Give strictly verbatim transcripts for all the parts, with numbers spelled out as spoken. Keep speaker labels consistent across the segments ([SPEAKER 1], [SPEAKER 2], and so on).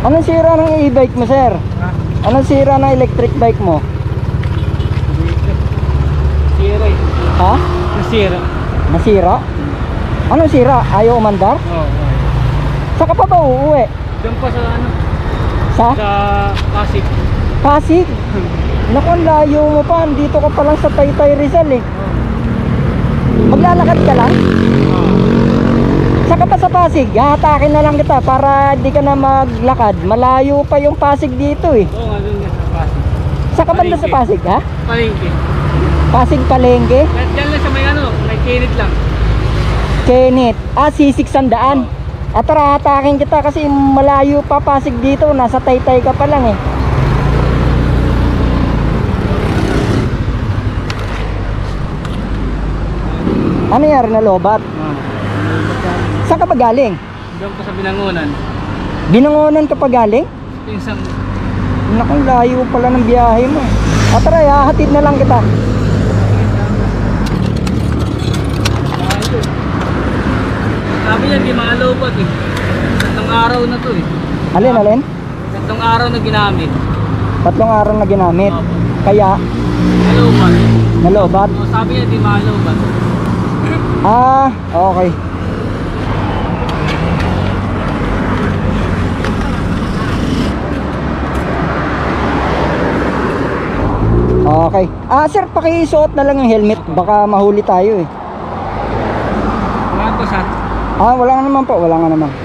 [SPEAKER 1] Anong sira ng e-bike mo, sir?
[SPEAKER 2] Ha?
[SPEAKER 1] Anong sira ng electric bike mo?
[SPEAKER 2] Sira eh.
[SPEAKER 1] Ha?
[SPEAKER 2] Nasira.
[SPEAKER 1] Nasira? Anong sira? Ayaw umandar?
[SPEAKER 2] Oo. Oh, okay.
[SPEAKER 1] Saan ka pa ba uuwi?
[SPEAKER 2] Doon pa sa ano?
[SPEAKER 1] Sa?
[SPEAKER 2] Sa Pasig.
[SPEAKER 1] Pasig? Naku, ang layo mo pa. Dito ka pa lang sa Taytay Rizal eh. Maglalakad ka lang?
[SPEAKER 2] Oo.
[SPEAKER 1] Saan ka pa sa Pasig? Hahatakin na lang kita para di ka na maglakad. Malayo pa yung Pasig dito eh.
[SPEAKER 2] Oo nga, doon nga sa Pasig.
[SPEAKER 1] Saan ka banda sa Pasig, ha?
[SPEAKER 2] Palengke.
[SPEAKER 1] Pasig Palengke?
[SPEAKER 2] Kahit dyan lang sa may ano, may kinit lang.
[SPEAKER 1] Kenneth. Ah, sisig sandaan. At tara, hatakin kita kasi malayo pa Pasig dito. Nasa Taytay ka pa lang eh. Ano nangyari na lobat?
[SPEAKER 2] Oo.
[SPEAKER 1] Saan ka pa galing?
[SPEAKER 2] Doon pa sa Binangonan.
[SPEAKER 1] Binangonan ka pa galing?
[SPEAKER 2] Pinsang.
[SPEAKER 1] Naku, layo pala ng biyahe mo. At tara, hahatid na lang kita.
[SPEAKER 2] Sabi niya, di maalobat eh. Tatlong araw na to eh.
[SPEAKER 1] Alin, alin?
[SPEAKER 2] Tatlong araw na ginamit.
[SPEAKER 1] Tatlong araw na ginamit.
[SPEAKER 2] Opo.
[SPEAKER 1] Kaya,
[SPEAKER 2] Alobat.
[SPEAKER 1] nalobat.
[SPEAKER 2] O, sabi niya, di maalobat.
[SPEAKER 1] Ah, okay. Okay. Ah, sir, pakisuot na lang yung helmet. Baka mahuli tayo eh.
[SPEAKER 2] Mga to sa.
[SPEAKER 1] Ah, wala nga naman po. Wala nga naman.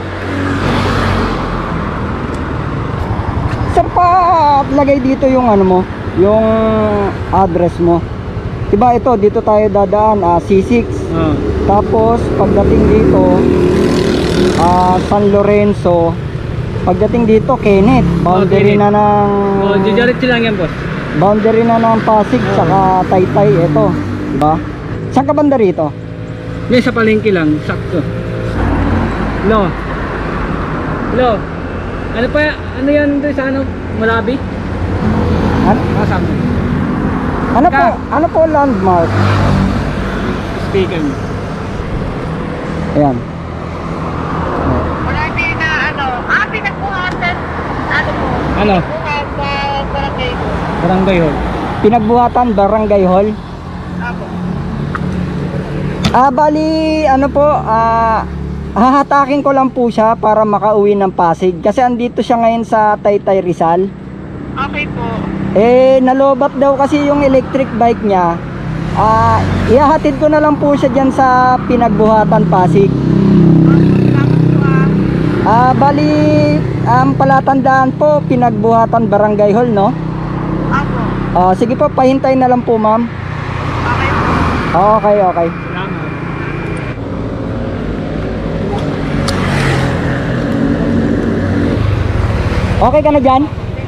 [SPEAKER 1] Sir, pa lagay dito yung ano mo, yung address mo. Diba ito, dito tayo dadaan, ah, C six.
[SPEAKER 2] Oo.
[SPEAKER 1] Tapos pagdating dito, ah, San Lorenzo. Pagdating dito, Kenneth. Boundary
[SPEAKER 2] Kenneth.
[SPEAKER 1] na ng
[SPEAKER 2] O, didiretso lang yan, boss.
[SPEAKER 1] boundary na ng Pasig
[SPEAKER 2] Oo.
[SPEAKER 1] saka Taytay. Ito, diba? Saan ka banda rito?
[SPEAKER 2] Yan sa palengke lang, sakto. Hello. Hello. Ano pa, ano yan doon sa ano, Malabi?
[SPEAKER 1] Ano,
[SPEAKER 2] Kasama.
[SPEAKER 1] ano po?
[SPEAKER 2] Ka-
[SPEAKER 1] Ano po landmark?
[SPEAKER 2] Speaker mo.
[SPEAKER 1] Ayan.
[SPEAKER 3] Wala din na ano, ah, pinagbuhatan, ano mo,
[SPEAKER 2] Ano?
[SPEAKER 3] buhat sa barangay ko.
[SPEAKER 2] Barangay Hall.
[SPEAKER 1] Pinagbuhatan Barangay Hall.
[SPEAKER 3] Ako.
[SPEAKER 1] Ah, bali, ano po, ah, hahatakin ko lang po siya para makauwi ng Pasig. Kasi andito siya ngayon sa Taytay Rizal.
[SPEAKER 3] Okay po.
[SPEAKER 1] Eh, nalobat daw kasi yung electric bike niya. Ah, ihahatid ko na lang po siya dyan sa Pinagbuhatan Pasig.
[SPEAKER 3] Salamat po ah.
[SPEAKER 1] Ah, bali, ang palatandaan po, Pinagbuhatan Barangay Hall, no?
[SPEAKER 3] Ako.
[SPEAKER 1] Ah, sige po, pahintay na lang po, ma'am.
[SPEAKER 3] Okay po.
[SPEAKER 1] Okay, okay.
[SPEAKER 2] Salamat.
[SPEAKER 1] Okay ka na dyan?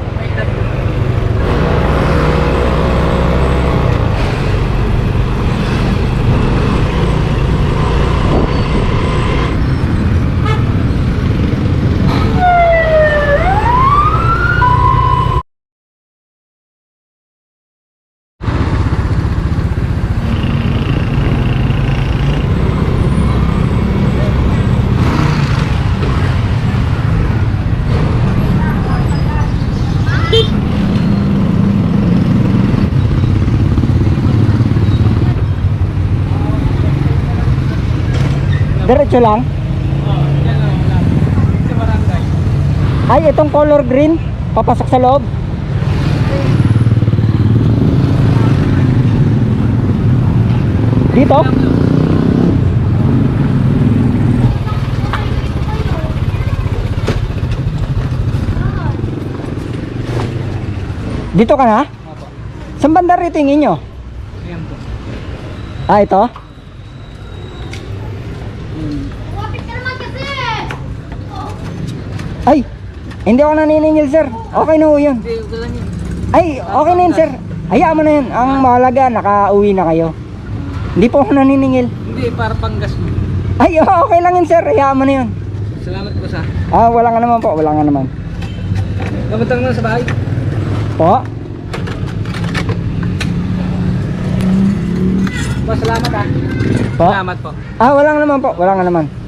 [SPEAKER 1] Diretso lang.
[SPEAKER 2] Oh, yan lang, wala. Sa barangay.
[SPEAKER 1] Ay, itong color green, papasok sa loob. Dito? Dito ka na?
[SPEAKER 2] Opo.
[SPEAKER 1] Saan banda rito yung inyo?
[SPEAKER 2] Ayan po.
[SPEAKER 1] Ah, ito?
[SPEAKER 2] Hmm.
[SPEAKER 1] Ay, hindi ako naniningil, sir. Okay na ho yun.
[SPEAKER 2] Hindi, okay lang yun.
[SPEAKER 1] Ay, okay na yun, sir. Hayaan mo na yun. Ang mahalaga, nakauwi na kayo. Hindi po ako naniningil.
[SPEAKER 2] Hindi, para panggas mo.
[SPEAKER 1] Ay, okay lang yun, sir. Hayaan mo na yun.
[SPEAKER 2] Salamat po sa.
[SPEAKER 1] Ah, wala nga naman po. Wala nga naman.
[SPEAKER 2] Kamuntang na sa bahay.
[SPEAKER 1] Po?
[SPEAKER 2] Po, salamat ah.
[SPEAKER 1] Po?
[SPEAKER 2] Salamat po.
[SPEAKER 1] Ah, wala nga naman po. Wala nga naman.